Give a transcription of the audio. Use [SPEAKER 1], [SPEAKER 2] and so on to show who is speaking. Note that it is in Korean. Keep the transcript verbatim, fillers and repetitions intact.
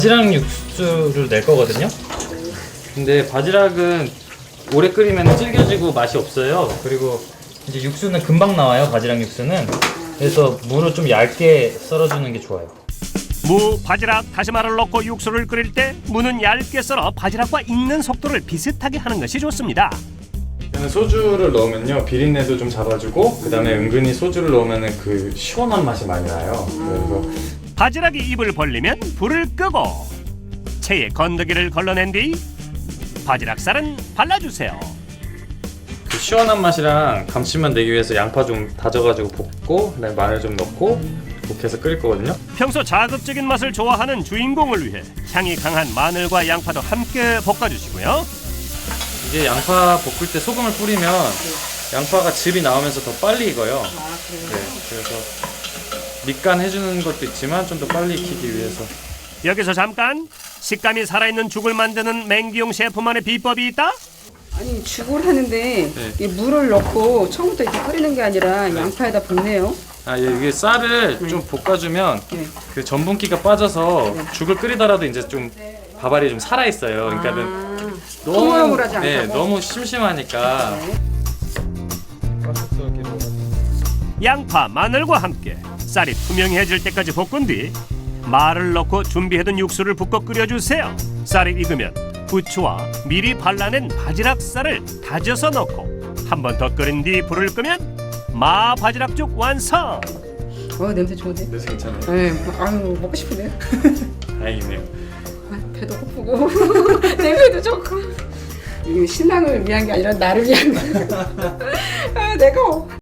[SPEAKER 1] 바지락 육수를 낼 거거든요. 근데 바지락은 오래 끓이면 질겨지고 맛이 없어요. 그리고 이제 육수는 금방 나와요. 바지락 육수는. 그래서 무를 좀 얇게 썰어주는 게 좋아요.
[SPEAKER 2] 무, 바지락, 다시마를 넣고 육수를 끓일 때 무는 얇게 썰어 바지락과 익는 속도를 비슷하게 하는 것이 좋습니다.
[SPEAKER 1] 소주를 넣으면요 비린내도 좀 잡아주고 그 다음에 은근히 소주를 넣으면 그 시원한 맛이 많이 나요. 그래서
[SPEAKER 2] 바지락이 입을 벌리면 불을 끄고 체에 건더기를 걸러낸 뒤 바지락살은 발라주세요.
[SPEAKER 1] 그 시원한 맛이랑 감칠맛 내기 위해서 양파 좀 다져가지고 볶고 그다음에 마늘 좀 넣고 이렇게 해서 끓일 거거든요.
[SPEAKER 2] 평소 자극적인 맛을 좋아하는 주인공을 위해 향이 강한 마늘과 양파도 함께 볶아주시고요.
[SPEAKER 1] 이게 양파 볶을 때 소금을 뿌리면 양파가 즙이 나오면서 더 빨리 익어요.
[SPEAKER 3] 아, 그래요?
[SPEAKER 1] 네, 그래서 밑간 해주는 것도 있지만 좀 더 빨리 익히기 위해서.
[SPEAKER 2] 여기서 잠깐 식감이 살아있는 죽을 만드는 맹기용 셰프만의 비법이 있다?
[SPEAKER 3] 아니 죽을 하는데
[SPEAKER 1] 네.
[SPEAKER 3] 이 물을 넣고 처음부터 이렇게 끓이는 게 아니라 양파에다 볶네요.
[SPEAKER 1] 아, 예, 이게 쌀을
[SPEAKER 3] 네.
[SPEAKER 1] 좀 볶아주면
[SPEAKER 3] 네.
[SPEAKER 1] 그 전분기가 빠져서
[SPEAKER 3] 네.
[SPEAKER 1] 죽을 끓이더라도 이제 좀 밥알이 좀 살아 있어요. 그러니까는
[SPEAKER 3] 아,
[SPEAKER 1] 너무
[SPEAKER 3] 흐물흐물하지 않다고?
[SPEAKER 1] 네, 너무 심심하니까.
[SPEAKER 3] 네.
[SPEAKER 2] 양파, 마늘과 함께 쌀이 투명해질 때까지 볶은 뒤 마를 넣고 준비해둔 육수를 붓고 끓여주세요. 쌀이 익으면 부추와 미리 발라낸 바지락살을 다져서 넣고 한 번 더 끓인 뒤 불을 끄면 마 바지락죽 완성!
[SPEAKER 3] 어 냄새 좋은데?
[SPEAKER 1] 냄새 괜찮아요.
[SPEAKER 3] 네, 아유 먹고 싶은데요.
[SPEAKER 1] 다행이네요.
[SPEAKER 3] 아, 배도 고프고 냄새도 좋고. 이게 신랑을 위한 게 아니라 나를 위한 거야. 아, 내가